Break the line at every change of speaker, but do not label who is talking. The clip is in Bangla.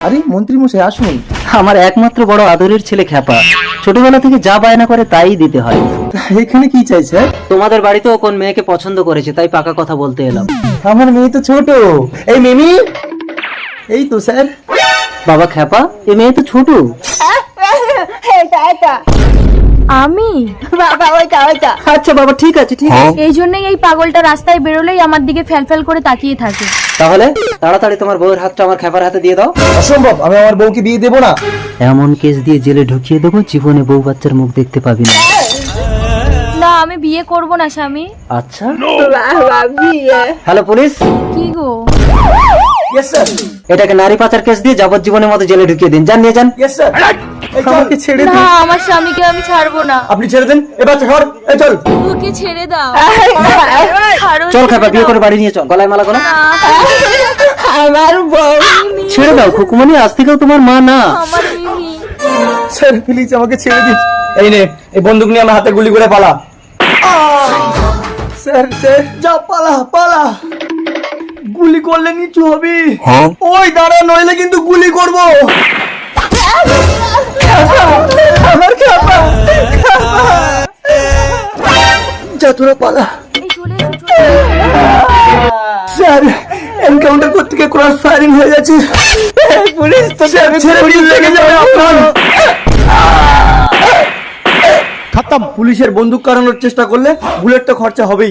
আরে মন্ত্রী মশাই আসুন।
আমার একমাত্র বড় আদরের ছেলে খ্যাপা, ছোটবেলা থেকে যা বায়না করে তাই দিতে হয়।
এখানে কি চাই স্যার?
তোমাদের বাড়িতেও কোন মেয়েকে পছন্দ করেছে, তাই পাকা কথা বলতে এলাম।
আমার মেয়ে তো ছোট। এই মিমি, এই তো স্যার।
বাবা খ্যাপা, এ মেয়ে তো ছোট।
আমি
বাবা ওইটা
আচ্ছা বাবা, ঠিক আছে ঠিক আছে।
এই জন্যই এই পাগলটা রাস্তায় বেরোলেই আমার দিকে ফ্যাল করে তাকিয়ে থাকে।
তাহলে তাড়াতাড়ি তোমার বউয়ের হাতটা আমার খ্যাপার হাতে দিয়ে দাও।
অসম্ভব, আমি আমার বউকে বিয়ে দেবো না।
এমন কেস দিয়ে জেলে ঢুকিয়ে দেবো, জীবনে বউ বাচ্চার মুখ দেখতে পাবি না।
না, আমি বিয়ে করব না স্বামী।
আচ্ছা,
বাবা বিয়ে
হ্যালো পুলিশ,
কি গো?
ইয়েস স্যার,
এটাকে নারী পাচার কেস দিয়ে যাবজ্জীবনের মতো জেলে ঢুকিয়ে দিন, যান নিয়ে যান।
Yes sir. আমাকে ছেড়ে
না,
দিন।
আমার স্বামীকে আমি ছাড়বো না।
আপনি ছেড়ে দেন, এবার ধর, এই চল।
ওকে ছেড়ে দাও।
চল খ্যাপা, বিয়ে করে বাড়ি নিয়ে চল, গলায় মালা গলা।
আমার বউ
ছেড়ে দাও খুকুমনি, আজ থেকেও তোমার মা না।
আমার মিমি।
স্যার প্লিজ আমাকে ছেড়ে দিন। এই নে, এই বন্দুক নিয়ে আমার হাতে গুলি করে পালা। স্যার স্যার, যা পালা পালা। গুলি করলে নিচু হবি। ওই দাঁড়া, নইলে কিন্তু গুলি করব। আমার খ্যাপা, যা তোরা পালা।
এই চলে এসো, চলে এসো।
স্যার এনকাউন্টার করতে গিয়ে ক্রস ফায়ারিং হয়ে যাচ্ছে। পুলিশ তো ছেড়ে দিয়ে লেগে যাবে আপনার। খতম। পুলিশের বন্দুক কাড়ানোর চেষ্টা করলে বুলেট তো খরচা হবেই।